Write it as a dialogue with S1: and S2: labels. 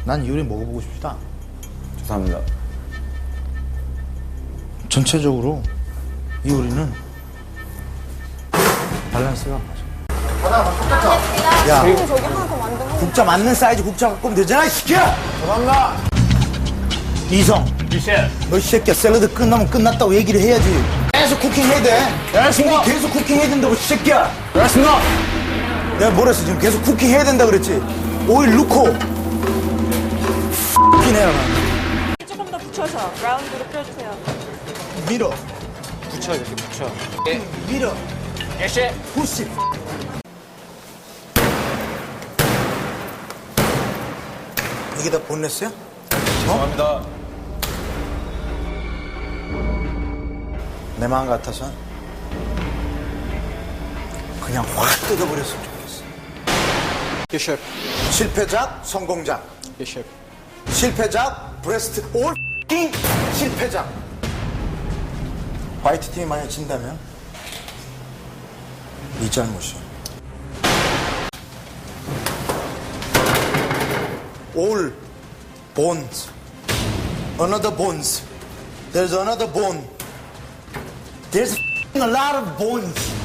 S1: 난 이 요리 먹어보고 싶다.
S2: 죄송합니다.
S1: 전체적으로 이 요리는 밸런스가 맞아. 하나만 똑같아. 야,
S3: 근데 저기 하나 더 만들어.
S1: 국자 맞는 사이즈 국자 갖고 오면 되잖아, 이 새끼야!
S2: 죄송합니다.
S1: 이성, 너 이 새끼야 샐러드 끝나면 끝났다고 얘기를 해야지. 계속 쿠킹해야 돼.
S2: 알겠습니다.
S1: 계속 쿠킹해야 된다고, 이 새끼야.
S2: 알겠습니다.
S1: 내가 뭐랬어, 지금 계속 쿠킹해야 된다 그랬지. 오일 넣고. X이네요, 난.
S3: 조금 더 붙여서 라운드로 펴주세요.
S1: 밀어.
S2: 붙여, 이렇게 붙여.
S1: 밀어.
S2: 예시.
S1: 푸시. 이게 다 본넷이야?
S2: 죄송합니다.
S1: 내 마음 같아서 그냥 확 뜯어버렸으면 좋겠어.
S2: 예, 셰프.
S1: 실패작, 성공작.
S2: 예, 셰프.
S1: 실패작, 브레스트 올 실패작. 화이트 팀이 만약 진다면 이 잘못이야. All bones, another bones. There's another bone. There's a lot of bones.